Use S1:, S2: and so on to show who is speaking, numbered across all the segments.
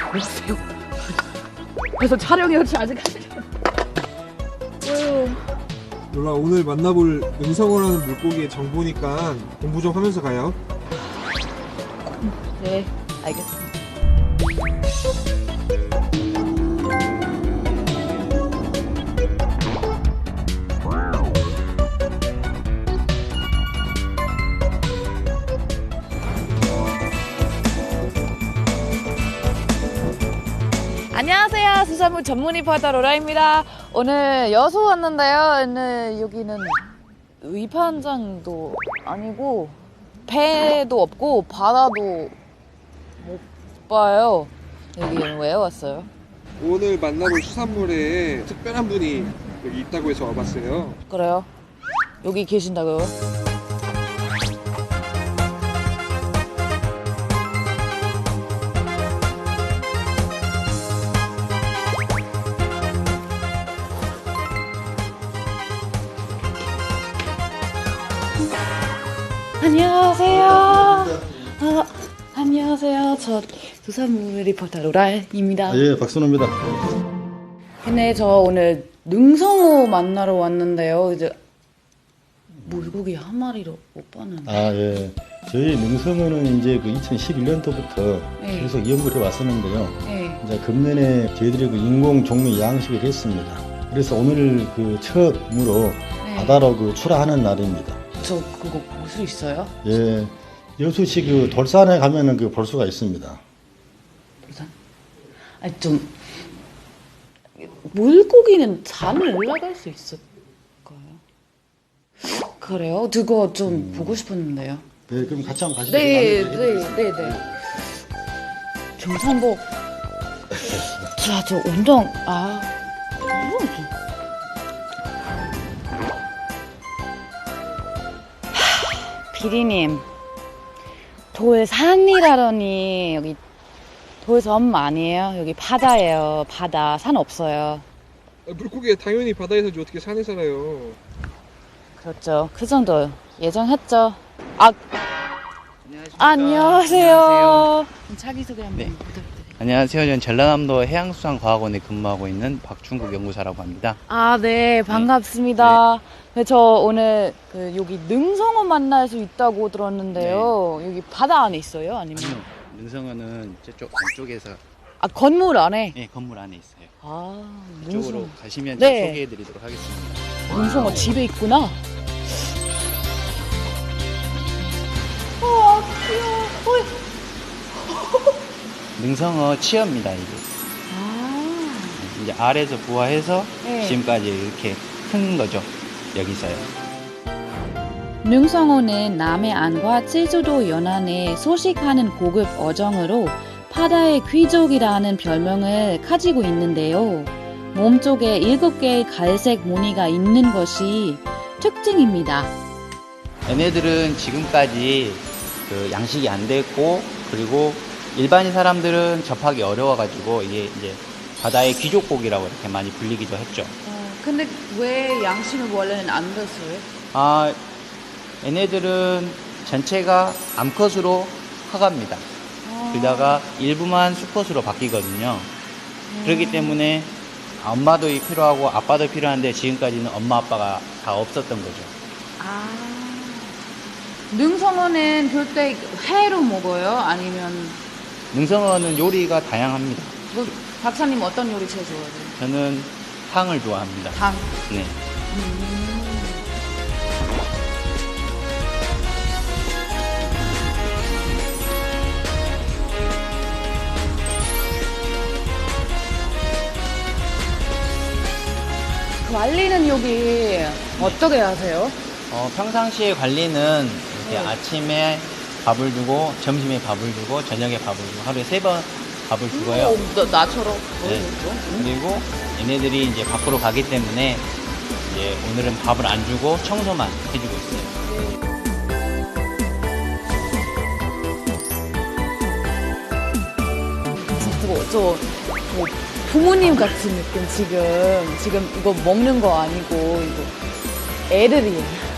S1: 안녕하세요. 그래서 촬영이 아직 하시죠?
S2: 놀라 오늘 만나볼 능성어라는 물고기의 정보니까 공부 좀 하면서 가요.
S1: 네, 알겠습니다. 안녕하세요. 수산물 전문 리포터 로라입니다. 오늘 여수 왔는데요. 오늘 여기는 위판장도 아니고 배도 없고 바다도 못 봐요. 여기는 왜 왔어요?
S2: 오늘 만나볼 수산물에 특별한 분이 여기 있다고 해서 와봤어요.
S1: 그래요? 여기 계신다고요? 안녕하세요. 안녕하세요. 저 수산물 리포터 로라입니다.
S3: 예, 박순호입니다.
S1: 근데 저 오늘 능성어 만나러 왔는데요. 이제 물고기 한 마리로 못 봤는데.
S3: 아, 예. 저희 능성어는 이제 그 2011년도부터
S1: 네.
S3: 계속 연구를 해 왔었는데요.
S1: 네.
S3: 이제 금년에 저희들이 그 인공 종류 양식을 했습니다. 그래서 오늘 그 처음으로
S1: 네.
S3: 바다로 그 출하하는 날입니다.
S1: 저 그거 볼 수 있어요?
S3: 예. 여수시 그 돌산에 가면은 그 볼 수가 있습니다.
S1: 일단 아니 좀 물고기는 산을 올라갈 수 있을까요? 그래요? 그거 좀 보고 싶었는데요.
S3: 네, 그럼 같이 한번 가시죠.
S1: 네,
S3: 제가
S1: 네, 네, 네. 경산복. 자, 저 운동 피디님, 돌산이라더니 여기 돌섬 아니에요? 여기 바다예요. 바다. 산 없어요.
S2: 물고기가 당연히 바다에서지 어떻게 산에 살아요.
S1: 그렇죠. 그 정도 예정했죠. 안녕하세요. 자기소개 한번
S4: 네.
S1: 부탁드려요.
S4: 안녕하세요. 저는 전라남도 해양수산과학원에 근무하고 있는 박중국 연구사라고 합니다.
S1: 네, 반갑습니다. 네, 저 오늘 여기 능성어 만날 수 있다고 들었는데요. 여기 바다 안에 있어요? 아니면?
S4: 아니요, 능성어는 저쪽 안쪽에서
S1: 건물 안에?
S4: 네, 건물 안에 있어요. 그쪽으로
S1: 능성어.
S4: 가시면
S1: 네.
S4: 소개해드리도록 하겠습니다.
S1: 능성어 집에 있구나. 귀여워.
S4: 능성어 치어입니다, 이게. 이제 알에서 부화해서
S1: 네.
S4: 지금까지 이렇게 큰 거죠. 여기서요.
S1: 능성어는 남해안과 제주도 연안에 서식하는 고급 어종으로 바다의 귀족이라는 별명을 가지고 있는데요. 몸쪽에 7개의 갈색 무늬가 있는 것이 특징입니다.
S4: 얘네들은 지금까지 그 양식이 안 됐고, 그리고 일반인 사람들은 접하기 어려워가지고 이게 이제 바다의 귀족고기라고 이렇게 많이 불리기도 했죠.
S1: 근데 왜 양식은 원래는 안 됐어요?
S4: 얘네들은 전체가 암컷으로 커갑니다. 그러다가 일부만 수컷으로 바뀌거든요. 그렇기 때문에 엄마도 필요하고 아빠도 필요한데 지금까지는 엄마 아빠가 다 없었던 거죠.
S1: 능성어는 그때 회로 먹어요? 아니면
S4: 능성어는 요리가 다양합니다.
S1: 박사님 어떤 요리 제일 좋아해요?
S4: 저는 탕을 좋아합니다.
S1: 탕.
S4: 네.
S1: 관리는 여기 어떻게 하세요?
S4: 평상시에 관리는 이렇게 아침에 밥을 주고, 점심에 밥을 주고, 저녁에 밥을 주고, 하루에 3번 밥을 주고요.
S1: 나처럼.
S4: 네. 그리고 얘네들이 이제 밖으로 가기 때문에 이제 오늘은 밥을 안 주고 청소만 해주고 있어요.
S1: 저 부모님 같은 느낌 지금 이거 먹는 거 아니고 이거 애들이에요.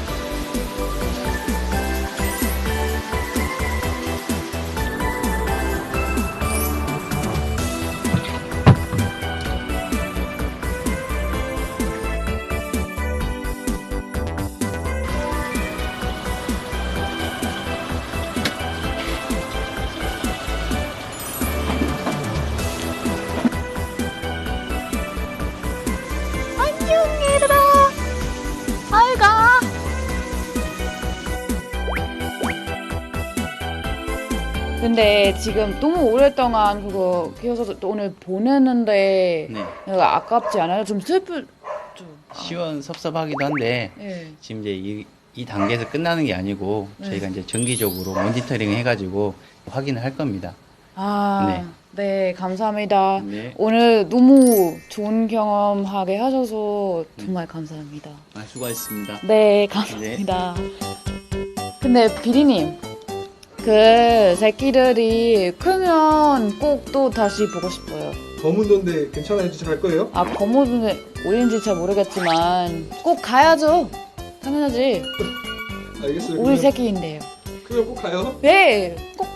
S1: 근데 지금 너무 오랫동안 그거 키워서 또 오늘 보내는데
S4: 네.
S1: 내가 아깝지 않아요? 좀 슬플 좀.
S4: 시원섭섭하기도 한데
S1: 네.
S4: 지금 이제 이 단계에서 끝나는 게 아니고
S1: 네.
S4: 저희가 이제 정기적으로 모니터링 해가지고 확인을 할 겁니다.
S1: 아, 네, 감사합니다.
S4: 네.
S1: 오늘 너무 좋은 경험하게 하셔서 정말 감사합니다.
S4: 아, 수고하셨습니다.
S1: 네, 감사합니다. 근데 비리님, 그 새끼들이 크면 꼭 또 다시 보고 싶어요.
S2: 검은 돈데 괜찮아요? 진짜 갈 거예요?
S1: 아, 거모는 어딘지 잘 모르겠지만 꼭 가야죠. 당연하지.
S2: 알겠어요.
S1: 우리
S2: 그러면
S1: 새끼인데요.
S2: 꼭 가요.
S1: 네, 꼭